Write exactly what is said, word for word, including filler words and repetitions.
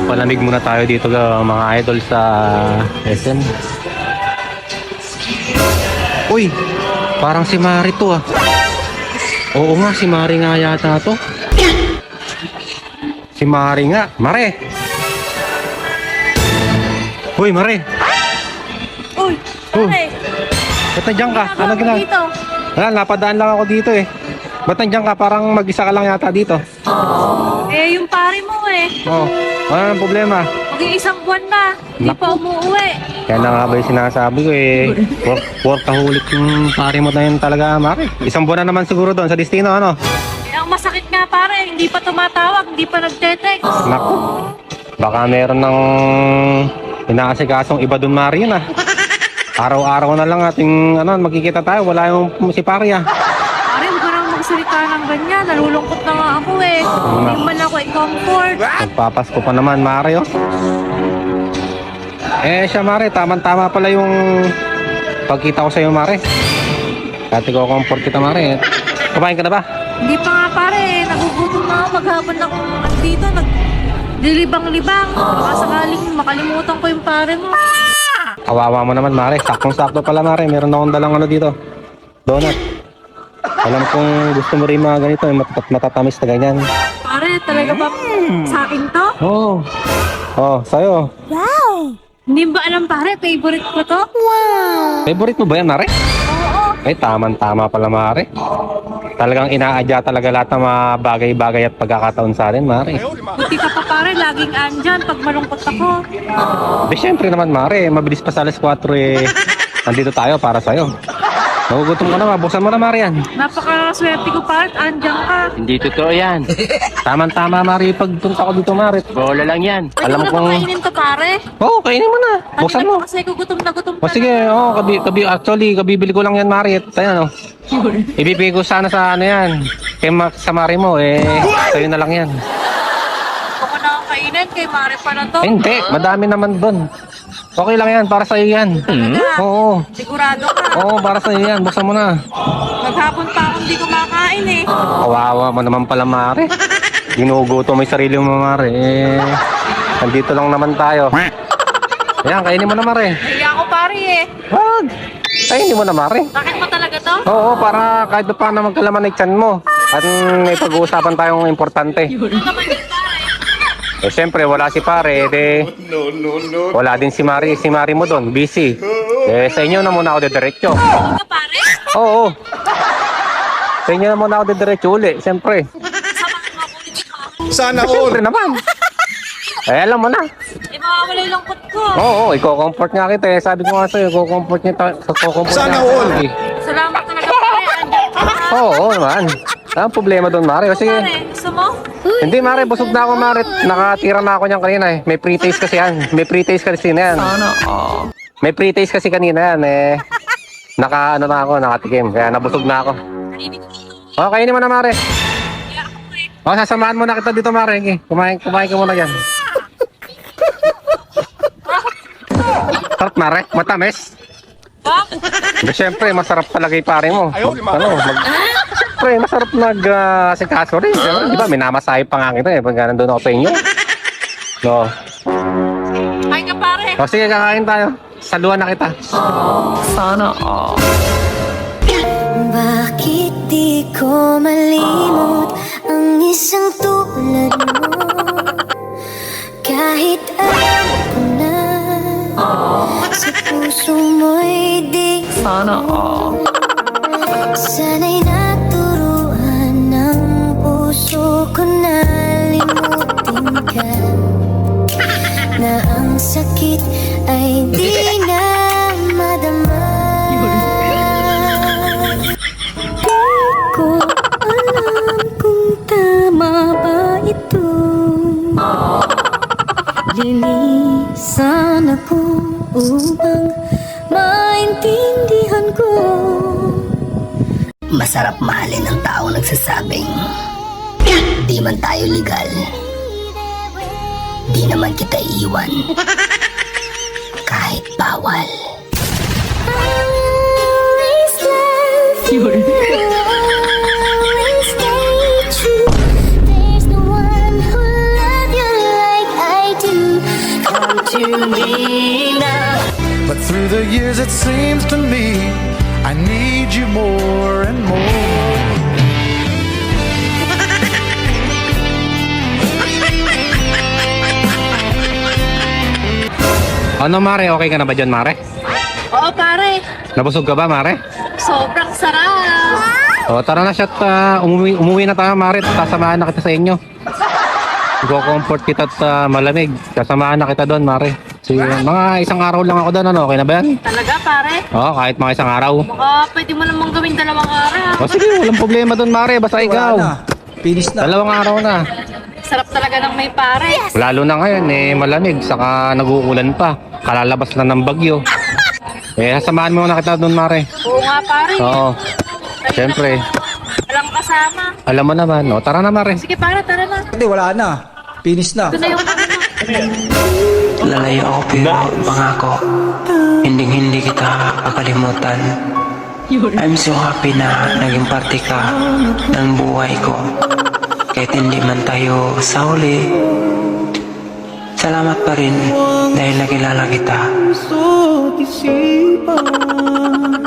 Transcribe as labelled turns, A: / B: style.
A: Palamig muna tayo dito mga idol sa S M. Uy, parang si Mari to ah. Oo nga, si Mari nga yata to. Si Mari nga. Mare! Uy, Mare!
B: Uy, pare!
A: Ba't nandiyan ka? Ano
B: ginagawa
A: gina?
B: dito?
A: Wala, napadaan lang ako dito eh. Ba't nandiyan ka? Parang mag-isa ka lang yata dito.
B: Eh, yung pare mo eh.
A: Oo. Oh, ano ang problema?
B: Mag-iisang buwan na. Hindi
A: Nak-
B: pa umuwi.
A: Kaya na nga ba yung sinasabi ko eh. Work, workaholic yung pare mo na yun talaga, Mari. Isang buwan na naman siguro doon sa destino, ano?
B: Eh, ang masakit nga pare, hindi pa tumatawag, hindi pa nagte-text.
A: Naku. Baka meron ng inaasikasong iba doon, Mari, yun ah. Araw-araw na lang ating ano, magkikita tayo. Wala yung si pare ah.
B: Pare, huwag ka nang magsalita ng ganyan. Nalulungkot na nga ako eh. Hindi man ako i-comfort.
A: Nagpapasko pa naman, Mari, oh. Eh, siya, Mari, tama-tama pala yung pagkita ko sa'yo, Mari. Dati ko comfort kita, Mari. Kumain ka na ba?
B: Hindi pa nga pare, nagugutom na ako. Maghapon na akong dito. Nagdilibang-libang. Baka sakaling makalimutan ko yung pare mo.
A: Kawawa mo naman, Mari. Saktong-sakto pala, Mari. Meron akong dalang ano dito. Donut. Alam kong gusto mo rin mga ganito, eh, matat matatamis na ganyan.
B: Pare, talaga ba sa akin to?
A: Oo. Oh. Oh, sa'yo.
B: Hindi ba alam pare, favorite ko to?
A: Favorite mo ba yan, Mari?
B: Oo.
A: Ay, taman-tama pala, Mari. Talagang inaadya talaga lahat ng mga bagay-bagay at pagkakataon sa atin, Mari.
B: Buti ka pa pare, laging andyan pag malungkot ako.
A: Di, syempre naman, Mari. Mabilis pa sa alas kwatro eh. Nandito tayo para sa'yo. Nagugutom ka na, buksan mo na, Mari, yan.
B: Napakaswerte ko pare, andyan ka.
A: Hindi totoo yan. Taman-tama, Mari. Pagpunta ko dito, Mari. Bola lang yan.
B: Pwede
A: Alam
B: ko na
A: kong...
B: ba kainin to pare?
A: Oo, oh, kainin mo na. Buksan
B: Kanina
A: mo.
B: pa kasi gugutom na gutom
A: O sige, oo, oh, kabi, kabi, actually, kabibili ko lang yan, Mari. At ano, ibibigay ko sana sa ano yan. Kay Ma- sa Mari mo, eh, sa'yo na lang yan.
B: Gusto ko na kainin, kay Mare pa na to.
A: Eh, hindi, madami naman doon. Okay lang yan, para sa'yo yan.
B: Talaga?
A: Oo,
B: Sigurado ka.
A: oo, para sa'yo yan. Buksan mo na.
B: Maghapon pa akong hindi kumakain eh.
A: Kawawa mo naman pala, Mari. Ginuguto mo yung sarili mo, Mari. Eh, nandito lang naman tayo. Ayan, kainin mo na, Mari.
B: Nahiya ako pare eh.
A: Wag! Kainin mo na, Mari.
B: Bakit mo talaga to?
A: Oo, para kahit pa paano magkalaman ng tiyan mo. At may pag-uusapan tayong importante.
B: Ano naman yun pare?
A: Eh, siyempre, wala si pare. Eh, wala din si Mari. Si Mari mo doon, busy. Eh, sa inyo na muna ako dediretso.
B: Hindi ka pare?
A: Oo. Sa inyo na muna ako dediretso uli, siyempre.
B: Samahan mo ako dito pare.
C: Sana
A: Eh,
C: all.
A: siyempre naman. Eh, alam mo na.
B: Eh mawawala yung lungkot ko.
A: Oo, i-comfort nga kita eh. Sabi ko nga sa'yo, i-comfort niya ta- i-comfort
C: Sana
A: niya
C: all.
A: tayo eh.
B: Salamat talaga pare, andyan ka ha.
A: Oo, oo naman. Ang problema doon, Mari. O sige.
B: Pare, gusto mo?
A: Hindi, Mari. Busog na ako, Mari. Nakatira na ako niyan kanina eh. May pre-taste kasi yan. May pre-taste kasi na yan. May pre-taste kasi kanina yan eh. Naka, ano na ako, nakatikim. Kaya nabusog na ako.
B: Narinig ko dito.
A: O, kainin mo na, Mari.
B: Kaya ako eh.
A: O, sasamahan mo na kita dito, Mari. Okay. Kumain, kumain ka muna dyan. Sarap, Mari. Matamis.
B: Bakit?
A: Pero syempre, masarap talaga yung pare mo.
C: Ayaw,
A: Mag,
C: lima.
A: ano, mag, syempre, masarap nag, uh, sikaso rin. Di ba, minamasahe pa nga kita eh, pag nandun ako sa inyo. No.
B: Kain ka pare.
A: O, sige, kakain tayo. Saluhan na kita.
D: Bakit di ko malimot ang isang tulad mo? Kahit alam ko na sa puso mo'y di sana'y naturuan ng puso ko na limutin ka, na ang sakit ay di na madama. Di ko alam kung tama ba ito. Lilisan ako upang maintindihan ko.
E: Masarap mahalin ang taong nagsasabing di man tayo legal, di naman kita iiwan kahit bawal.
D: I will always love you. Always stay true. There's no one who love you like I do.
E: hindi na.
C: But through the years it seems to me I need you more and more.
A: Ano Mare, okay ka na ba dyan Mare?
B: Oo, pare.
A: Nabusog ka ba Mare?
B: Sobrang sarap.
A: O tara na siya at ah, umuwi, umuwi na tayo Mare. Sasamahan na kita sa inyo. Go-comfort kita at ah, malamig. Sasamahan na kita doon Mare. Si, mga isang araw lang ako doon, ano? Okay na ba yan?
B: Talaga, pare.
A: Oo, kahit mga isang araw.
B: Baka pwede mo namang gawin dalawang araw.
A: O sige, walang problema doon Mare. Basta ikaw.
F: Finish na.
A: Dalawang araw na.
B: Sarap talaga ng may pare.
A: Lalo na ngayon, eh, malamig. Saka nag-uulan pa. Kalalabas na ng bagyo. Eh, sasamahan mo na kita doon Mare.
B: Oo nga, pare.
A: Oo. Siyempre.
B: Walang kasama.
A: Alam mo naman. O, tara na Mare.
B: Sige, pare, tara na.
F: Hindi, wala na. Finish na.
B: Ito na yung ano.
G: Lalayo ako pero pangako, hindi hindi kita kakalimutan. I'm so happy na naging parte ka ng buhay ko. Kahit hindi man tayo sa huli, salamat pa rin dahil nakilala kita.